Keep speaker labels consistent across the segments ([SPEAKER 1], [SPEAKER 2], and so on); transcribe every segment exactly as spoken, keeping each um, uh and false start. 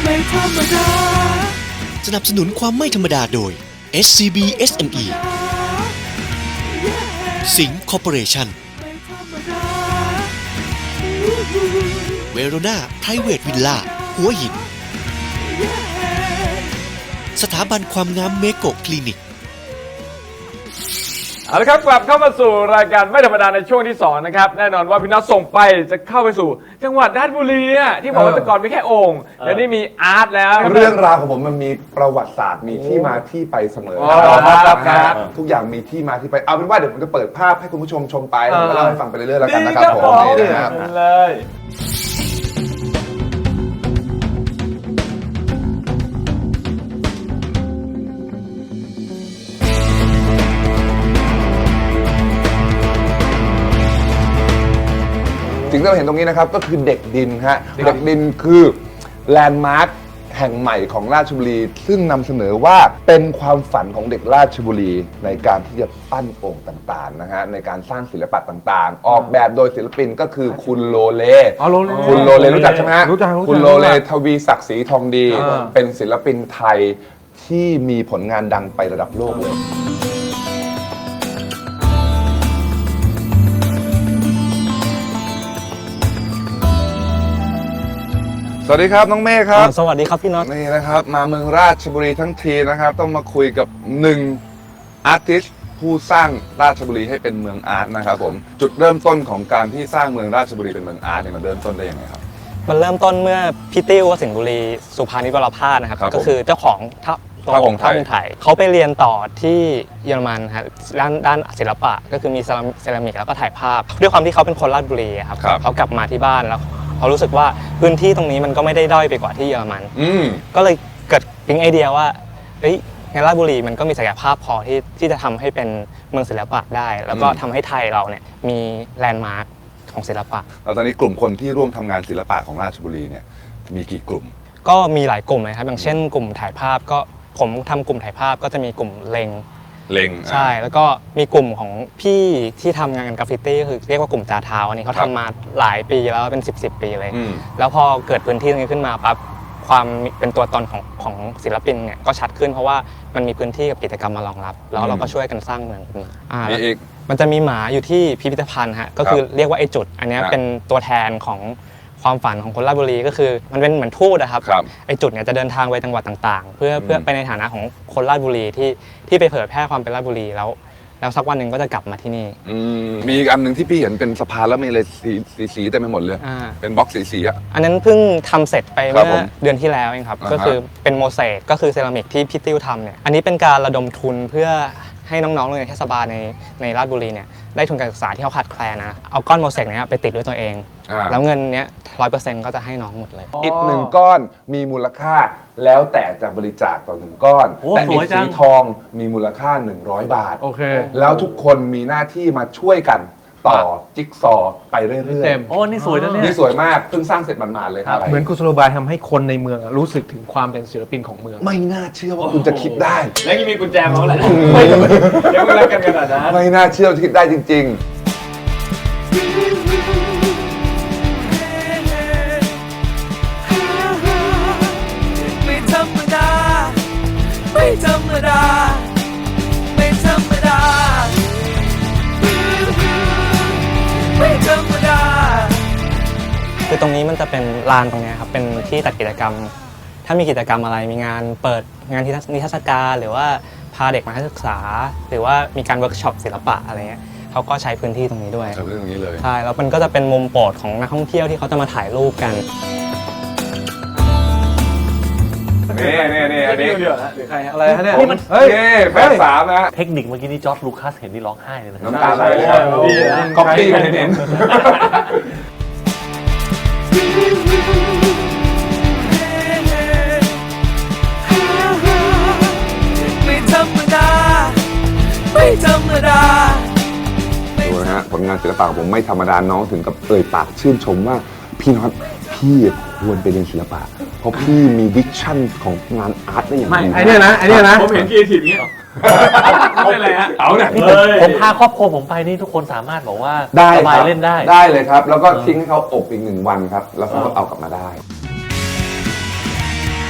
[SPEAKER 1] ไม่ธรรมดา
[SPEAKER 2] สนับสนุนความไม่ธรรมดาโดย เอส ซี บี เอส เอ็ม อี สิงห์คอร์ปอเรชั่นเวโรนาไพรเวทวิลล่าหัวหินสถาบันความงามเมโกะคลินิก
[SPEAKER 3] เอาละครับกลับเข้ามาสู่รายการไม่ธรรมดาในช่วงที่สองนะครับแน่นอนว่าพี่น็อตส่งไปจะเข้าไปสู่จังหวัดราชบุรีที่บอกว่าแต่ก่อนมีแค่โอ่งแต่นี่มีอาร์ตแล้ว
[SPEAKER 4] เรื่องราวของผมมันมีประวัติศาสตร์มีที่มาที่ไปเสมอครับทุกอย่างมีที่มาที่ไปเอาเป็นว่าเดี๋ยวผมจะเปิดภาพให้คุณผู้ชมชมไปแล้วก็เล่าให้ฟังไปเรื่อยๆแล้วกันนะครับผมนี่นะครับ
[SPEAKER 3] เลย
[SPEAKER 4] สิ่งที่เราเห็นตรงนี้นะครับก็คือเด็กดินฮะเด็กดินคือแลนด์มาร์คแห่งใหม่ของราชบุรีซึ่งนำเสนอว่าเป็นความฝันของเด็กราชบุรีในการที่จะปั้นโอ่งต่างๆนะฮะในการสร้างศิลปะต่างๆออกแบบโดยศิลปินก็คือคุณโลเลคุณโลเลรู้จักใช่ไหมฮะคุณโลเลทวีศักดิ์ศรีทองดีเป็นศิลปินไทยที่มีผลงานดังไประดับโลกเลยสวัสดีครับน้องเมฆครับ
[SPEAKER 5] สวัสดีครับพี่น็อต
[SPEAKER 4] นี่นะครับมาเมืองราชบุรีทั้งทีนะครับต้องมาคุยกับหนึ่งอาร์ติสต์ผู้สร้างราชบุรีให้เป็นเมืองอาร์ตนะครับผมจุดเริ่มต้นของการที่สร้างเมืองราชบุรีเป็นเมืองอาร์ตเนี่ยมันเริ่มต้นได้ยังไงครับ
[SPEAKER 5] มันเริ่มต้นเมื่อพี่ติ้วสิงห์บุรีสุภานิชวรภาสนะครับก็คือเจ้าของท่า
[SPEAKER 4] ท่าองค์ไทย
[SPEAKER 5] เขาไปเรียนต่อที่เยอรมันครับด้านด้านศิลปะก็คือมีเซรามิกแล้วก็ถ่ายภาพด้วยความที่เขาเป็นคนราชบุรีครับเขากลับมาที่บ้านแล้วเขารู้สึกว่าพื้นที่ตรงนี้มันก็ไม่ได้ด้อยไปกว่าที่เยอรมันก็เลยเกิดปิ๊งไอเดียว่าเฮ้ยในราชบุรีมันก็มีศักยภาพพอที่ที่จะทำให้เป็นเมืองศิลปะได้แล้วก็ทำให้ไทยเราเนี่ยมีแลนด์มาร์คของศิลปะ
[SPEAKER 4] แล้วตอนนี้กลุ่มคนที่ร่วมทำงานศิลปะของราชบุรีเนี่ยมีกี่กลุ่ม
[SPEAKER 5] ก็มีหลายกลุ่มเลยครับอย่างเช่นกลุ่มถ่ายภาพก็ผมทำกลุ่มถ่ายภาพก็จะมีกลุ่มเล็ง
[SPEAKER 4] เล็ง
[SPEAKER 5] ใช่แล้วก็มีกลุ่มของพี่ที่ทำงานกราฟฟิตี้ก็คือเรียกว่ากลุ่มจาเท้าอันนี้เขาทำมาหลายปีแล้วเป็นสิบสิบปีเลยแล้วพอเกิดพื้นที่ตรงนี้ขึ้นมาปั๊บความเป็นตัวตนของของศิลปินเนี่ยก็ชัดขึ้นเพราะว่ามันมีพื้นที่กับกิจกรรมมารองรับแล้วเราก็ช่วยกันสร้างเมืองขึ้นมามันจะมีหมาอยู่ที่พิพิธภัณฑ์ฮะก็คือเรียกว่าไอ้จุดอันนี้เป็นตัวแทนของความฝันของคนราชบุรีก็คือมันเป็นเหมือนทูตนะครับไอจุดเนี่ยจะเดินทางไปจังหวัดต่างๆเพื่อเพื่อไปในฐานะของคนราชบุรีที่ที่ไปเผยแพร่ความเป็นราชบุรีแล้วแล้วสักวันหนึ่งก็จะกลับมาที่นี่
[SPEAKER 4] มีอีกอันหนึ่งที่พี่เห็นเป็นสะพานแล้วมีอะไรสีสีสีเต็มไปหมดเลยเป็นบล็อกสีสีอ่ะ
[SPEAKER 5] อันนั้นเพิ่งทำเสร็จไปเมื่อเดือนที่แล้วเองครับก็คือเป็นโมเสกก็คือเซรามิกที่พี่ติ้วทำเนี่ยอันนี้เป็นการระดมทุนเพื่อให้น้องๆโรงเรียนเทศบาลในในราชบุรีเนี่ยได้ทุนการศึกษาที่เขาขาดแคลนนะเอาก้อนโมเสกเนี้ยไปติดด้วยตัวเองแล้วเงินเนี้ยร้อยเปอร์เซ็นต์ก็จะให้น้องหมดเลย
[SPEAKER 4] อิฐหนึ่งก้อนมีมูลค่าแล้วแต่จะบริจาคต่อหนึ่งก้อนแต่อิฐสีทองมีมูลค่าหนึ่งร้อยบาท
[SPEAKER 3] โอเค
[SPEAKER 4] แล้วทุกคนมีหน้าที่มาช่วยกันต่อจิ๊กซอไปเรื่อยๆ
[SPEAKER 3] โอ้นี่สวยนะเนี่ย
[SPEAKER 4] นี่สวยมากเพิ่งสร้างเสร็จมันๆเลยครับ
[SPEAKER 3] เหมือนกุศโลบายทำให้คนในเมืองรู้สึกถึงความเป็นศิลปินของเมือง
[SPEAKER 4] ไม่น่าเชื่อว่าคุณจะคิดได้
[SPEAKER 3] แล้วยังมีกุญแจมาแหละเดี๋ยวเรากันขนาดนั้น
[SPEAKER 4] ไม่น่าเชื่อคิดได้จริงๆ
[SPEAKER 1] ไม่ธรรมดาไม่ธรรมดาไม่ธรรมดาไม่ธรรมดา
[SPEAKER 5] คือตรงนี้มันจะเป็นลานตรงนี้ครับเป็นที่จัดกิจกรรมถ้ามีกิจกรรมอะไรมีงานเปิดงานนิทรรศการหรือว่าพาเด็กมาศึกษาหรือว่ามีการเวิร์กช็อปศิลปะอะไรเงี้ยเขาก็ใช้พื้นที่ตรงนี้ด้วย
[SPEAKER 4] ใช้พื้นที่ตรงนี้เลย
[SPEAKER 5] ใช่แล้วมันก็จะเป็นมุมโปรดของนักท่องเที่ยวที่เขาจะมาถ่ายรูปกัน
[SPEAKER 4] นี่นี่นี่อันนี้
[SPEAKER 3] หรือใครอะไรฮะเนี่ย
[SPEAKER 4] เฮ้ยแฟนสามนะ
[SPEAKER 3] เทคนิคเมื่อกี้นี่จอร์จลูคัสเห็นนี่ร้องไห้เลยนะ
[SPEAKER 4] น้ำตาไหลเลยครับก๊อปปี้กันเน้น
[SPEAKER 1] ไม่ธรรมดาไม่ธรรมดา
[SPEAKER 4] ดูนะฮะผลงานศิลปะของผมไม่ธรรมดาน้องถึงกับเอ่ยปากชื่นชมว่าพี่น็อตพี่ควรไปเรียนศิลปะเพราะพี่มีวิชั่นของงานอาร์ตได้อย่าง
[SPEAKER 3] ดีไอ้นี่นะไอ้นี่นะผมเห็นกีทีนี้ไม่เป็นไรฮะเอาเนี่ยผมพาครอบครัวผมไปนี่ทุกคนสามารถบอกว่าสบายเล่นได้
[SPEAKER 4] ได้เลยครับแล้วก็ทิ้งให้เขาอบอีกหนึ่งวันครับแล้วเขาก็เอากลับมาได้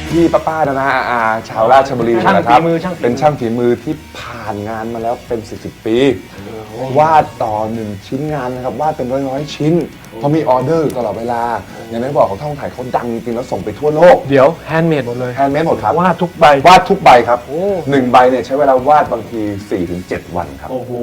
[SPEAKER 4] พี่ๆป้าๆนะนะอาๆชาวราชบุรี
[SPEAKER 6] ช่าง
[SPEAKER 4] นะครับ
[SPEAKER 6] ฝีมือช่างฝีมือ
[SPEAKER 4] เป็นช่างฝีมือที่ผ่านงานมาแล้วเป็นสิบสิบปี วาดต่อหนึ่งชิ้นงานนะครับวาดเป็นร้อยๆชิ้นเพราะมีออเดอร์อยู่ตลอดเวลาอย่างที่บอกของท่องถ่ายเขาดังจริงๆแล้วส่งไปทั่วโลก
[SPEAKER 6] เดี๋ยวแฮนด์เมดหมดเลย
[SPEAKER 4] แฮนด์เมดหมดครับ
[SPEAKER 6] วาดทุกใบ
[SPEAKER 4] วาดทุกใบครับ
[SPEAKER 6] โอ้
[SPEAKER 4] หนึ่งใบเนี่ยใช้เวลาวาดบางที สี่ถึงเจ็ด วันครับ
[SPEAKER 6] โอ้โห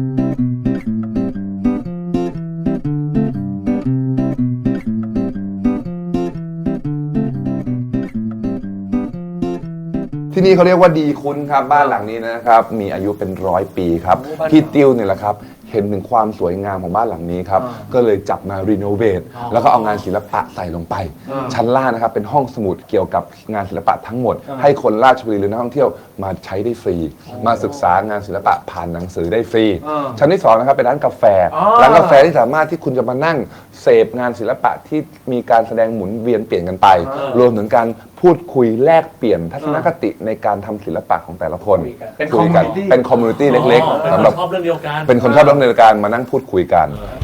[SPEAKER 4] ที่นี่เขาเรียกว่าดีคุ้นครับบ้านหลังนี้นะครับมีอายุเป็นร้อยปีครับพี่ติ้วเนี่ยแหละครับเห็นถึงความสวยงามของบ้านหลังนี้ครับก็เลยจับมารีโนเวทแล้วก็เอางานศิลปะใส่ลงไป ชั้นล่างนะครับเป็นห้องสมุดเกี่ยวกับงานศิลปะทั้งหมด ให้คนราชบุรีหรือนักท่องเที่ยวมาใช้ได้ฟรี มาศึกษางานศิลปะผ่านหนังสือได้ฟรี ชั้นที่สองนะครับเป็นร้านกาแฟร้านกาแฟที่สามารถที่คุณจะมานั่งเสพงานศิลปะที่มีการแสดงหมุนเวียนเปลี่ยนกันไป รวมถึงการพูดคุยแลกเปลี่ยนทัศนคติในการทำศิลปะของแต่ละคน
[SPEAKER 6] เป็น
[SPEAKER 4] คุยกัน
[SPEAKER 6] community
[SPEAKER 4] เป็นคอมมูนิตี้เล็กๆสำหรับ
[SPEAKER 7] ชอบเรื่องเดียวกัน
[SPEAKER 4] เป็นคนชอบเรื่องในการมานั่งพูดคุยกัน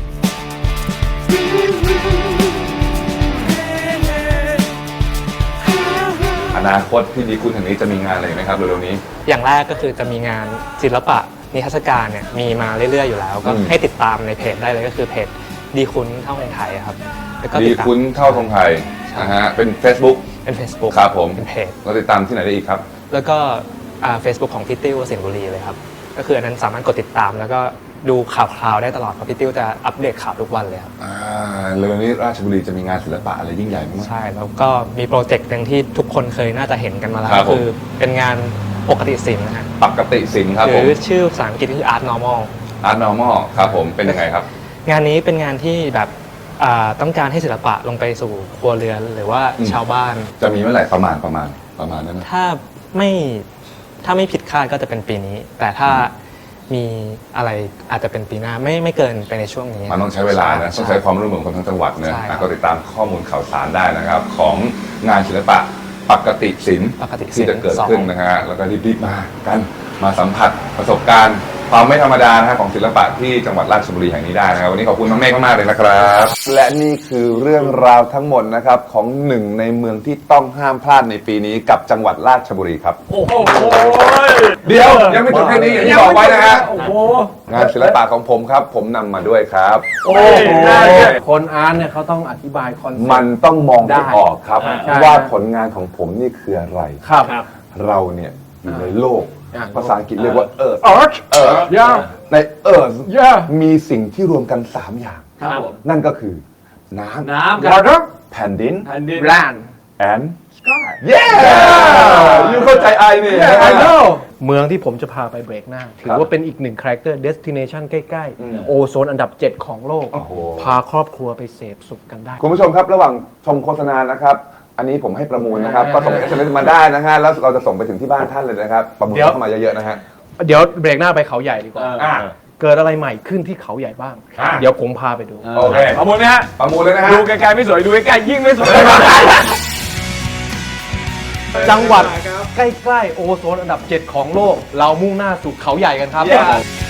[SPEAKER 4] อนาคตที่ดีคุณแห่งนี้จะมีงานอะไรไหมครับเร็วๆนี้
[SPEAKER 5] อย่างแรกก็คือจะมีงานศิลปะนิทรรศการเนี่ยมีมาเรื่อยๆอยู่แล้ว ก็
[SPEAKER 4] อืม
[SPEAKER 5] ให้ติดตามในเพจได้เลยก็คือเพจดีคุ้นเท่าในไทยครับแล้วก็
[SPEAKER 4] ดี
[SPEAKER 5] ติดตาม
[SPEAKER 4] คุ้นเท่าทงไทยนะฮะเป็น Facebook
[SPEAKER 5] เป็น Facebook
[SPEAKER 4] ครับผม
[SPEAKER 5] เป็นเพจ
[SPEAKER 4] เราติดตามที่ไหนได้อีกครับ
[SPEAKER 5] แล้วก็เฟซบุ๊กของพี่ติ้วสิงห์บุรีเลยครับก็คืออันนั้นสามารถกดติดตามแล้วก็ดูข่าวคราวได้ตลอดเพราะพี่ติ้วจะอัปเดตข่าวทุกวันเลยครับ
[SPEAKER 4] อ่าเร็วๆนี้ราชบุรีจะมีงานศิลปะอะไรยิ่งใหญ่ไหม
[SPEAKER 5] ใช่แล้วก็มีโปรเจกต์หนึ่งที่ทุกคนเคยน่าจะเห็นกันมาแล้ว
[SPEAKER 4] ครับผม
[SPEAKER 5] คือเป็นงานปกติศิลป์นะฮะ
[SPEAKER 4] ปกติศิลป์ครับ
[SPEAKER 5] ห
[SPEAKER 4] ผ
[SPEAKER 5] รื
[SPEAKER 4] ม
[SPEAKER 5] อชื่อภาษาอังกฤษคือ art normal
[SPEAKER 4] Art Normal ครับผมเป็นยังไงครับ
[SPEAKER 5] งานนี้เป็นงานที่แบบอ่าต้องการให้ศิลปะลงไปสู่ครัวเรือนหรือว่า
[SPEAKER 4] อืม
[SPEAKER 5] ชาวบ้าน
[SPEAKER 4] จะมีเมื่อไหร่ประมาณประมาณประมาณนั้นนะ
[SPEAKER 5] ถ้าไม่ถ้าไม่ผิดคาดก็จะเป็นปีนี้ แต่ถ้ามีอะไรอาจจะเป็นปีหน้าไม่ไม่เกินไปในช่วงนี้
[SPEAKER 4] มันต้องใช้เวลานะต้องใช้ความร่วมมือของคนทั้งจังหวัดนะ
[SPEAKER 5] ใช่ครับ
[SPEAKER 4] อ่ะก็ติดตามข้อมูลข่าวสารได้นะครับ ของงานศิลปะปกติศิลป์
[SPEAKER 5] ปกติศิลป์
[SPEAKER 4] ที่จะเกิด
[SPEAKER 5] สอง
[SPEAKER 4] ขึ้นนะฮะแล้วก็รีบๆมากันมาสัมผัสประสบการณ์ ความไม่ธรรมดานะฮะของศิลปะที่จังหวัดราชบุรีแห่งนี้ได้นะครับวันนี้ขอบคุณน้องเมฆมากๆเลยนะครับ และนี่คือเรื่องราวทั้งหมดนะครับของหนึ่งในเมืองที่ต้องห้ามพลาดในปีนี้กับจังหวัดราชบุรีครับ
[SPEAKER 3] โอ้โห
[SPEAKER 4] เดี๋ยวยังไม่จบแค่นี้อย่างที่บอกไว้นะฮะ
[SPEAKER 3] โอ้โห
[SPEAKER 4] งานศิลปะของผมครับ ผมนำมาด้วยครับ
[SPEAKER 3] โอ้โห
[SPEAKER 6] คนอาร์ตเนี่ยเขาต้องอธิบายคอนเซ็ปต์
[SPEAKER 4] มันต้องมองให้
[SPEAKER 6] ได้
[SPEAKER 4] ออกครับ
[SPEAKER 6] ใช่
[SPEAKER 4] ว่าผลงานของผมนี่คืออะไร
[SPEAKER 6] ครับ
[SPEAKER 4] เราเนี่ยอยู่ในโลก
[SPEAKER 6] อ่า
[SPEAKER 4] ภาษาอังกฤษเรียกว่า earth
[SPEAKER 6] Art
[SPEAKER 4] earth
[SPEAKER 6] ย่า
[SPEAKER 4] ใน earth
[SPEAKER 6] ย่า
[SPEAKER 4] มีสิ่งที่รวมกัน สาม อย่าง
[SPEAKER 3] ครับผม
[SPEAKER 4] นั่นก็คือ น้ำ
[SPEAKER 3] น้ำครับ
[SPEAKER 6] Water
[SPEAKER 4] แผ่นดิน
[SPEAKER 3] แผ่นดิน
[SPEAKER 6] Land
[SPEAKER 4] and sky yeah ยูเข้าใจไอนี่
[SPEAKER 6] Yeah, I know เมืองที่ผมจะพาไปเบรกหน้า ถื
[SPEAKER 4] ครั
[SPEAKER 6] อบ ว่าเป็นอีกหนึ่งคาแรคเตอร์ destination ใกล้
[SPEAKER 4] อืม
[SPEAKER 6] ๆ โอโซนอันดับ เจ็ด ของโลก
[SPEAKER 4] โอ้โห
[SPEAKER 6] พาครอบครัวไปเสพสุขกันได้
[SPEAKER 4] คุณผู้ชมครับระหว่างชมโฆษณานะครับ อันนี้ผมให้ประมูลนะครับ ก็ส่ง เอส เอ็ม เอส มาได้นะฮะแล้วเราจะส่งไปถึงที่บ้านท่านเลยนะครับ ประมูล
[SPEAKER 6] เดี๋ยว
[SPEAKER 4] เข้ามาเยอะๆนะฮะ
[SPEAKER 6] เดี๋ยวเบรกหน้าไปเขาใหญ่ดีกว่า
[SPEAKER 4] อ่ะ
[SPEAKER 6] เกิดอะไรใหม่ขึ้นที่เขาใหญ่บ้าง
[SPEAKER 4] อ่ะ
[SPEAKER 6] เดี๋ยวผมพาไปดู
[SPEAKER 4] โอเค
[SPEAKER 3] ประมูลนะฮะ
[SPEAKER 4] ประมูลเลยนะฮะ
[SPEAKER 3] ดูไกลๆไม่สวย ดูใกล้ๆยิ่งไม่สวย
[SPEAKER 6] จังหวัดใกล้ๆ โอโซนอันดับ เจ็ด ของโลก เรามุ่งหน้าสู่เขาใหญ่กันครับ
[SPEAKER 4] Yeah